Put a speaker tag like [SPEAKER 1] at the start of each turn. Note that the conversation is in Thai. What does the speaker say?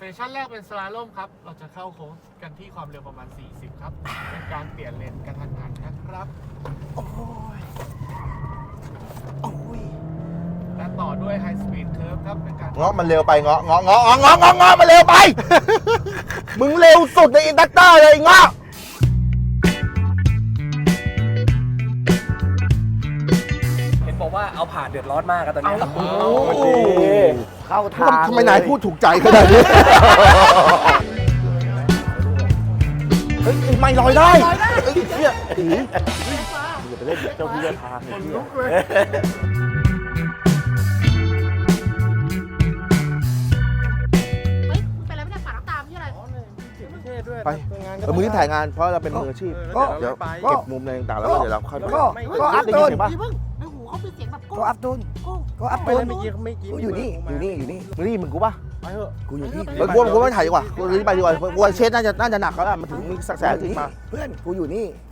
[SPEAKER 1] ชั่นแรกเป็นสลาโลมครับ เราจะเข้าโค้งกันที่ความเร็วประมาณ 40 ครับ เป็นการเปลี่ยนเลนกระทันหันนะครับ
[SPEAKER 2] โอ้ย โอ้ย
[SPEAKER 1] และต่อด้วยไฮสปีดเคิร์ฟครับ เป็นการ
[SPEAKER 3] เงาะมันเร็วไปเงาะมันเร็วไป มึงเร็วสุดในอินดักเตอร์เลยเงาะ
[SPEAKER 4] เห็นบอกว่าเอาผ่านเดือดร้อนมากกันตอนนี้
[SPEAKER 3] โอ้โห
[SPEAKER 2] เข้าทาง
[SPEAKER 3] ทำไมนายพูดถูกใจขนาดนี้ เฮ้ยไม่ลอยได้เฮ้ยเนี่ยผีอย่าไปเล่นเจ้าที่เจ้าทางเลย
[SPEAKER 5] เฮ้ยเป็นอะไรไม่ได้ฝาน้ำตามที่อะไร
[SPEAKER 3] ไปมือที่ถ่ายงานเพราะเราเป็นมืออาชีพ
[SPEAKER 2] ก็
[SPEAKER 3] เดี๋ยวเก็บมุมอะไรต่างๆแล้วเดี๋ยวเราค่อย
[SPEAKER 2] ก็อัพ
[SPEAKER 3] ได้
[SPEAKER 2] ต้
[SPEAKER 3] ยิน
[SPEAKER 2] น
[SPEAKER 3] เสียงปะ
[SPEAKER 5] พี่เพิ่งในหูเขาเป็นเสียงแบบโก้
[SPEAKER 2] ก็อัพต้น
[SPEAKER 5] โก้
[SPEAKER 2] ก็อัพต้นอยู่นี่
[SPEAKER 3] มึงนี่มึงกูปะ
[SPEAKER 2] กูอยู่นี่
[SPEAKER 3] เฮ้ยกูไม่ถ่ายดีกว่ากูรีบไปดีกว่ากูเชสน่าจะหนักแล้วล่ะมันถึงมีสักแสนจริงมา
[SPEAKER 2] เพื่อนกูอยู่นี่